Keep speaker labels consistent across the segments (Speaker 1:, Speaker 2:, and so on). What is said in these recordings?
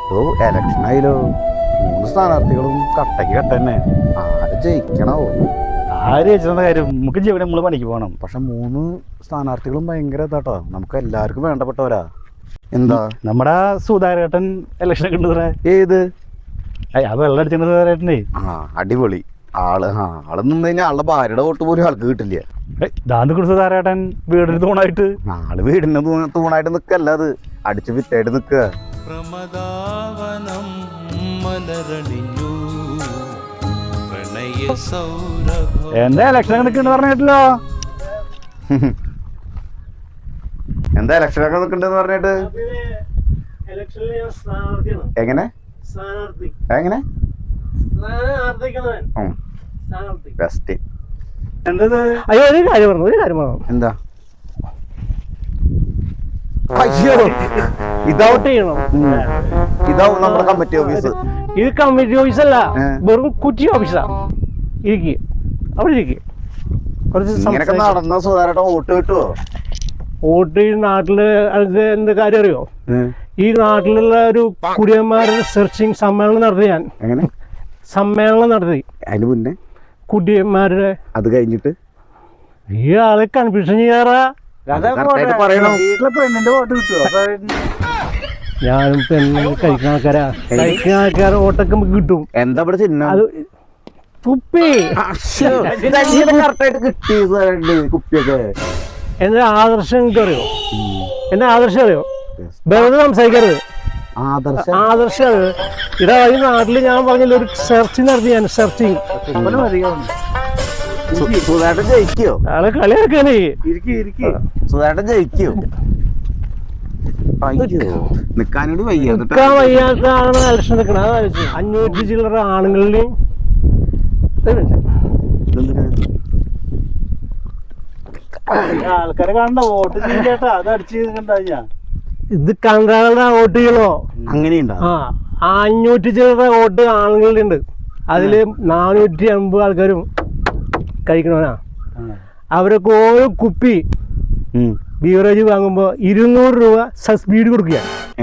Speaker 1: ഓ election ആയാലോ 3 സ്ഥാനാർത്ഥികളും കട്ടയ്ക്ക് കട്ട തന്നെ. ആര് ജയിക്കണോ?
Speaker 2: ആര് ജയിച്ചെന്ന കാര്യം നമുക്ക് ജീവനെ നമ്മള് പണിക്ക് പോകണം.
Speaker 1: പക്ഷെ 3 സ്ഥാനാർത്ഥികളും ഭയങ്കര ഇതാട്ടോ, നമുക്ക് എല്ലാവർക്കും വേണ്ടപ്പെട്ടവരാ. എന്താ
Speaker 2: നമ്മുടെ സുധാകരേട്ടൻ ഇലക്ഷനൊക്കെ ഉണ്ട് സാറേ.
Speaker 1: ഏത്?
Speaker 2: ആ വെള്ളം അടിച്ചിട്ടുണ്ട് സുധാകരേട്ടനെ.
Speaker 1: അടിപൊളി ആള് നിന്ന് കഴിഞ്ഞാൽ ആളുടെ ഭാര്യയുടെ വോട്ട് പോലും ആൾക്ക് കിട്ടില്ല.
Speaker 2: ദാന്ത് കൊടുത്ത സുധാകരേട്ടൻ വീടിന് തൂണായിട്ട്.
Speaker 1: ആള് വീടിന് തൂണായിട്ട് നിക്കല്ല, അത് അടിച്ചു വിറ്റായിട്ട് നിക്കുക.
Speaker 2: എന്താ ഇലക്ഷൻ നിൽക്കണെന്ന് പറഞ്ഞിട്ടല്ലോ.
Speaker 1: എന്താ ഇലക്ഷനൊക്കെ നിൽക്കണ്ടെന്ന് പറഞ്ഞിട്ട് എങ്ങനെ എങ്ങനെ ബെസ്റ്റ്.
Speaker 2: അയ്യോ ഒരു കാര്യം പറഞ്ഞു.
Speaker 1: എന്താ? ഇതാവും നമ്മുടെ കമ്മിറ്റി ഓഫീസ്.
Speaker 2: ഇത് കമ്മിറ്റി ഓഫീസല്ല, വെറും കുറ്റി ഓഫീസാ. അവിടെ ഇരിക്കും.
Speaker 1: ഇങ്ങനെയൊക്കെ നടന്ന സുധാകരേട്ടൻ വോട്ട് കിട്ടുവോ?
Speaker 2: വോട്ട് ഈ നാട്ടില് എന്ത് കാര്യം അറിയോ? ഈ നാട്ടിലുള്ള ഒരു കുടിയന്മാരുടെ സെർച്ചിങ് സമ്മേളനം നടത്തി ഞാൻ. സമ്മേളനം നടത്തി.
Speaker 1: അതിന് മുന്നേ
Speaker 2: കുടിയന്മാരുടെ
Speaker 1: അത് കഴിഞ്ഞിട്ട്
Speaker 2: ഈ ആളെ കൺഫ്യൂഷൻ ചെയ്യാറാ.
Speaker 1: പെണ്ണിന്റെ വോട്ട് കിട്ടുവോ?
Speaker 2: ഞാനും പെണ്ണ് കഴിക്കുന്ന ആൾക്കാരെ വോട്ടൊക്കെ നമുക്ക് കിട്ടും.
Speaker 1: എന്താ ഇവിടെ ചിഹ്നം?
Speaker 2: അത് തുപ്പി
Speaker 1: കുപ്പിയൊക്കെ.
Speaker 2: എന്റെ ആദർശം എനിക്ക് അറിയോ? എന്റെ ആദർശം അറിയോ? വെറുതെ സംസാരിക്കരുത്. ആദർശം ഇതാ ഈ നാട്ടില് ഞാൻ പറഞ്ഞില്ല ഒരു സെർച്ചിങ് നടത്തി. ഞാൻ സെർച്ചിങ്
Speaker 1: സുധാകരൻ ജയിക്കോ?
Speaker 2: ആളെ കളിയാക്കാനേ.
Speaker 1: സുധാകരൻ ജയിക്കോ? നിക്കാൻ
Speaker 2: വയ്യാത്ത ആളാണ് ഇലക്ഷൻ നിൽക്കണം. അതായത് 500 ചില്ലറ ആണുങ്ങളിലെയും
Speaker 3: ആൾക്കാരെ കാണണ്ട വോട്ട് ചെയ്യേട്ടാ. അത് അടിച്ച് കണ്ടാ
Speaker 2: ഇത് കണ്ടാളുടെ വോട്ട് ചെയ്യണോ?
Speaker 1: അങ്ങനെയുണ്ടോ?
Speaker 2: 500 ചില്ലറ വോട്ട് ആണുങ്ങളുണ്ട്. അതില് 450 ആൾക്കാരും കഴിക്കണവനാ. അവരൊക്കെ ഓരോ കുപ്പി ബീവറേജ് വാങ്ങുമ്പോ 200 രൂപ സബ്സിഡി കൊടുക്കുക.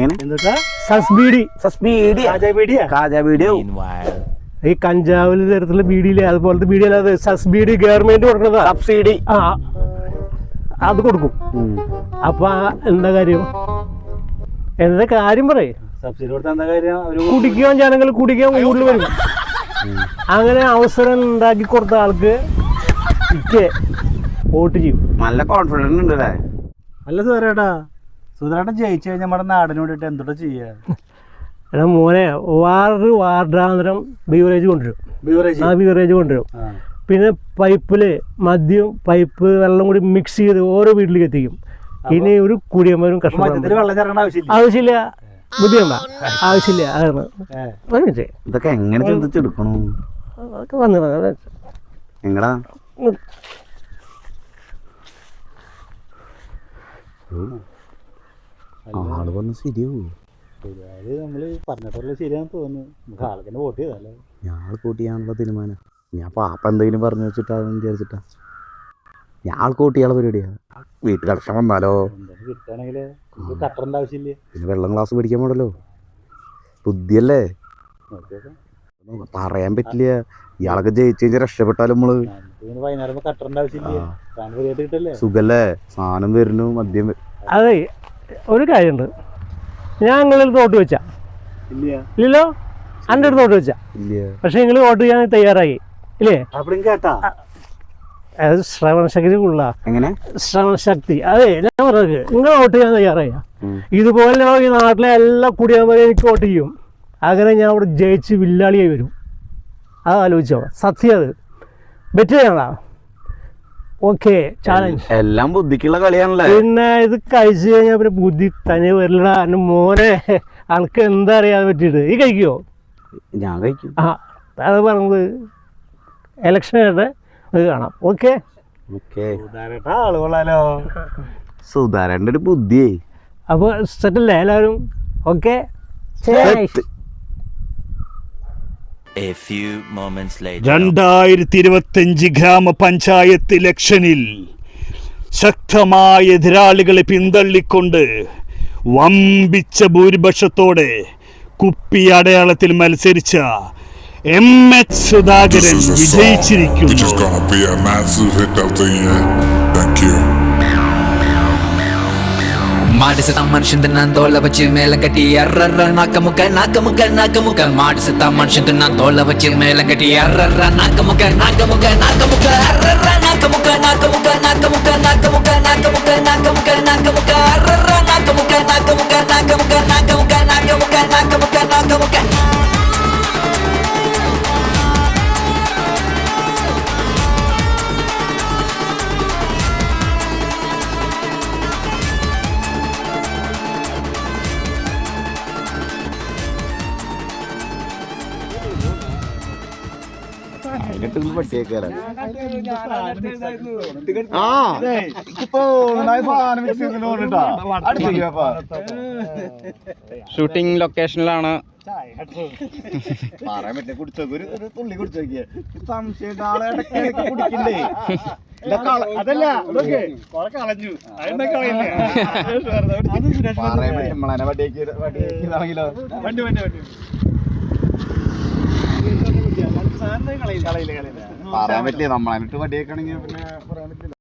Speaker 2: ഈ കഞ്ചാവില് തരത്തിലുള്ള ബീഡിയിലെ അതുപോലത്തെ ബീഡി അല്ലാതെ സബ്സിഡി ഗവൺമെന്റ് കൊടുക്കുന്നതാ. സബ്സിഡി അത് കൊടുക്കും. അപ്പൊ എന്താ കാര്യം? എന്താ കാര്യം പറയേ?
Speaker 3: സബ്സിഡി കൊടുത്ത എന്താ കാര്യം?
Speaker 2: കുടിക്കാൻ ജനങ്ങൾ കുടിക്കാൻ കൂടുതൽ വരും. അങ്ങനെ അവസരം ഉണ്ടാക്കി കൊടുത്ത ആൾക്ക് വോട്ട് ചെയ്യും.
Speaker 1: നല്ല കോൺഫിഡൻസ് ഉണ്ട് അല്ലേ?
Speaker 3: അല്ല സുധാരേട്ടാ, സുധാരേട്ടൻ ജയിച്ചു കഴിഞ്ഞാൽ നമ്മുടെ നാടിന് വേണ്ടിട്ട് എന്തോട്ടാ ചെയ്യാ?
Speaker 2: എടാ മോനെ, വാർഡാന്തരം ബീവറേജ് കൊണ്ടുവരും. ബീവറേജ് കൊണ്ടുവരും. പിന്നെ പൈപ്പില് മദ്യം പൈപ്പ് വെള്ളം കൂടി മിക്സ് ചെയ്ത് ഓരോ വീട്ടിലേക്ക് എത്തിക്കും. ഇനി ഒരു കുടിയന്മാരും ആവശ്യമില്ല. ബുദ്ധിയുണ്ട ആവശ്യമില്ല. അതാണ്
Speaker 1: ഇതൊക്കെ എങ്ങനെ ചിന്തിച്ചെടുക്കണു?
Speaker 2: അതൊക്കെ വന്നു
Speaker 1: എങ്ങടാ ആള് വന്ന് ശരിയാവൂ?
Speaker 3: നമ്മള് പറഞ്ഞിട്ടുള്ള ശരിയാന്ന് തോന്നുന്നു. നമുക്ക് ആൾക്കെന്നെ വോട്ട് ചെയ്തല്ലേ.
Speaker 1: ഞാൻ വോട്ട് ചെയ്യാനുള്ള തീരുമാനം. ഞാൻ പാപ്പ എന്തെങ്കിലും പറഞ്ഞു വെച്ചിട്ടാന്ന് വിചാരിച്ചിട്ടാ. ഞാൻ ആൾക്ക് വോട്ട് ചെയ്യാനുള്ള പരിപാടിയാ. വീട്ടിൽ അടക്കം വന്നാലോ?
Speaker 3: കിട്ടുകയാണെങ്കില് കട്ടറിന്റെ ആവശ്യമില്ല.
Speaker 1: പിന്നെ വെള്ളം ഗ്ലാസ് പിടിക്കാൻ പോടല്ലോ. ബുദ്ധിയല്ലേ? പറയാൻ പറ്റില്ല. ഇയാളൊക്കെ ജയിച്ചു കഴിഞ്ഞാൽ രക്ഷപ്പെട്ടാലും നമ്മള്
Speaker 3: വൈകുന്നേരം കട്ടറിന്റെ ആവശ്യമില്ല.
Speaker 1: സുഖല്ലേ? സാധനം വരുന്നു, മദ്യം.
Speaker 2: അതെ, ഒരു കാര്യമുണ്ട്. ഞാൻ നിങ്ങളിൽ വോട്ട് വെച്ചാ ഇല്ലല്ലോ? എൻ്റെ അടുത്ത് വോട്ട് വെച്ചാ പക്ഷെ നിങ്ങൾ വോട്ട് ചെയ്യാൻ തയ്യാറായി ഇല്ലേ? അത് ശ്രവണശക്തി ഉള്ള ശ്രവണശക്തി. അതെ, ഞാൻ പറഞ്ഞത് നിങ്ങൾ വോട്ട് ചെയ്യാൻ തയ്യാറായി. ഇതുപോലെ ഈ നാട്ടിലെ എല്ലാ കുടിയന്മാരും എനിക്ക് വോട്ട് ചെയ്യും. അങ്ങനെ ഞാൻ അവിടെ ജയിച്ച് വില്ലാളിയായി വരും. അത് ആലോചിച്ചോ? സത്യം. അത് ബെറ്റ് ചെയ്യണോ? Okay, challenge.
Speaker 1: എല്ലാം ബുദ്ധിക്കുള്ള കളിയാണല്ലേ?
Speaker 2: പിന്നെ ഇത് കഴിച്ചു കഴിഞ്ഞാൽ പിന്നെ ബുദ്ധി തന്നെ വരില്ല. എൻ്റെ മോനെ, ആൾക്ക് എന്താ അറിയാൻ പറ്റിയിട്ട്. ഈ കഴിക്കുമോ?
Speaker 1: ഞാൻ കഴിക്കും.
Speaker 2: അത് പറഞ്ഞത് ഇലക്ഷൻ ആയിട്ട് അത് കാണാം. ഓക്കെ,
Speaker 3: ആള് കൊള്ളാലോ.
Speaker 1: സുധാരൻ്റെ ഒരു ബുദ്ധിയേ.
Speaker 2: അപ്പോൾ സെറ്റല്ലേ എല്ലാവരും? Okay.
Speaker 4: A few moments later.
Speaker 5: 2025 ഗ്രാമപഞ്ചായത്ത് ഇലക്ഷനിൽ ശക്തമായ എതിരാളികളെ പിന്തള്ളിക്കൊണ്ട് വമ്പിച്ച ഭൂരിപക്ഷത്തോടെ കുപ്പി അടയാളത്തിൽ മത്സരിച്ച MH Sudhakaran
Speaker 6: This is a song which is
Speaker 5: വിജയിച്ചിരിക്കുന്നു.
Speaker 6: gonna be a massive hit of the year. Thank you.
Speaker 7: ಮಾಡಿಸತ ಮನುಷ್ಯಂದ ನಾನು ತೋಳ ಬಚ್ಚಿ ಮೇಲೆ ಕಟ್ಟಿ ಅರ್ರರ್ರ ನಾಕ ಮುಖ ನಾಕ ಮುಖ ನಾಕ ಮುಖ ಮಾಡಿಸತ ಮನುಷ್ಯಂದ ನಾನು ತೋಳ ಬಚ್ಚಿ ಮೇಲೆ ಕಟ್ಟಿ ಅರ್ರರ್ರ ನಾಕ ಮುಖ ನಾಕ ಮುಖ ನಾಕ ಮುಖ ಅರ್ರರ್ರ ನಾಕ ಮುಖ ನಾಕ ಮುಖ ನಾಕ ಮುಖ ನಾಕ ಮುಖ ನಾಕ ಮುಖ ನಾಕ ಮುಖ ನಾಕ ಮುಖ ಅರ್ರರ್ರ ನಾಕ ಮುಖ ನಾಕ ಮುಖ ನಾಕ ಮುಖ ನಾಕ ಮುಖ ನಾಕ ಮುಖ ನಾಕ ಮುಖ ನಾಕ ಮುಖ
Speaker 8: ഷൂട്ടിംഗ് ലൊക്കേഷനിലാണ്.
Speaker 1: പറയാൻ പറ്റില്ല, കുടിച്ചോക്ക് ഒരു തുള്ളി കുടിച്ചോക്കിയ സംശയം ആളെ കുടിക്കണ്ടേ.
Speaker 3: അതല്ല ഇതൊക്കെ കൊറേ കളഞ്ഞു
Speaker 1: പറയാൻ പറ്റും നമ്മളെ വടിയാക്കിയതാണെങ്കിലോ.
Speaker 3: വണ്ടി
Speaker 1: പറയാൻ പറ്റില്ല, നമ്മളായിട്ട് വടിയേക്കാണെങ്കിൽ പിന്നെ പറയാൻ പറ്റില്ല.